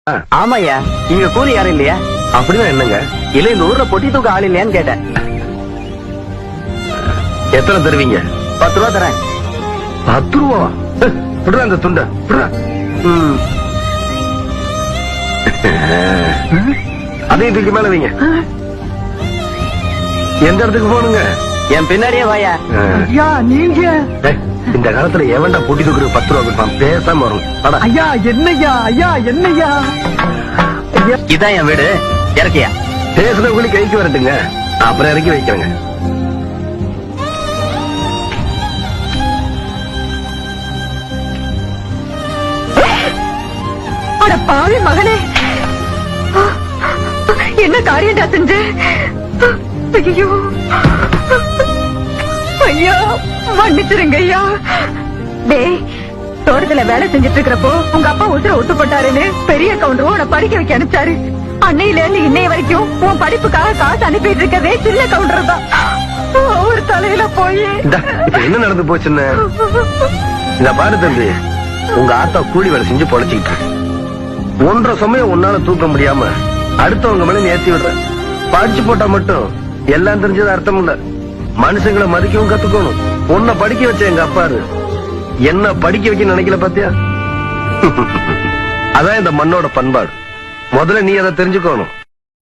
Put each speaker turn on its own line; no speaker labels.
ஆமாய்யா, இங்க கூலி யாரும் இல்லையா?
அப்படிதான் என்னங்க?
இல்ல இந்த ஊர்ல பொட்டி தூக்க ஆள் இல்லையான்னு கேட்டேன்.
எத்தனை தருவீங்க?
10 ரூபா தரேன்.
10 ரூபா? விடுறா அந்த துண்ட விடுறா. அதையும் தூக்கி மேல வைங்க. எந்த இடத்துக்கு போகணுங்க?
என் பின்னாடியே வாயா.
ஐயா நீங்க
ஏய், இந்த காலத்துல எவன்டா பொட்டி தூக்குறது 10 ரூபா கொடுப்பான்? பேசாம வரும். வாடா.
ஐயா என்னய்யா ஐயா என்னய்யா ஐயா,
இதான் என் வீடு. இறக்கியா?
பேசுறவங்களுக்கு கைக்கு வரட்டுங்க, அப்புறம் இறக்கி வைக்கிறேங்க.
அட பாவி மகனே, என்ன காரியம்டா செஞ்ச? ஐயோ ஐயா, மன்னிச்சிருங்க ஐயா. டேய், தோட்டத்துல வேலை செஞ்சுட்டு இருக்கிறப்போ உங்க அப்பா உசுர ஒத்து போட்டாருன்னு பெரிய கவுண்டரும் உன்னை படிக்க வைக்க அனுப்பிச்சாரு. அன்னையில இருந்து இன்னைய வரைக்கும் உன் படிப்புக்காக காசு அனுப்பிட்டு இருக்கதே சின்ன கவுண்டர் தான். ஒரு தலையில போய்
இந்தா, இப்ப என்ன நடந்து போச்சுன்னு இந்த பாரு தம்பி, உங்க ஆத்தா கூலி வேலை செஞ்சு பொழைச்சிக்கிட்டு இருக்கு. 1.5 சமயம் உன்னால தூக்க முடியாம அடுத்தவங்க மேல ஏத்தி விடுற. படிச்சு போட்டா மட்டும் எல்லாம் தெரிஞ்சது அர்த்தம் இல்ல. மனுஷங்களை மதிக்கவும் கத்துக்கணும். உன்னை படிக்க வச்ச எங்க அப்பாரு என்ன படிக்க வைக்க நினைக்கல பாத்தியா? அதான் இந்த மண்ணோட பண்பாடு. முதல்ல நீ அதை தெரிஞ்சுக்கணும்.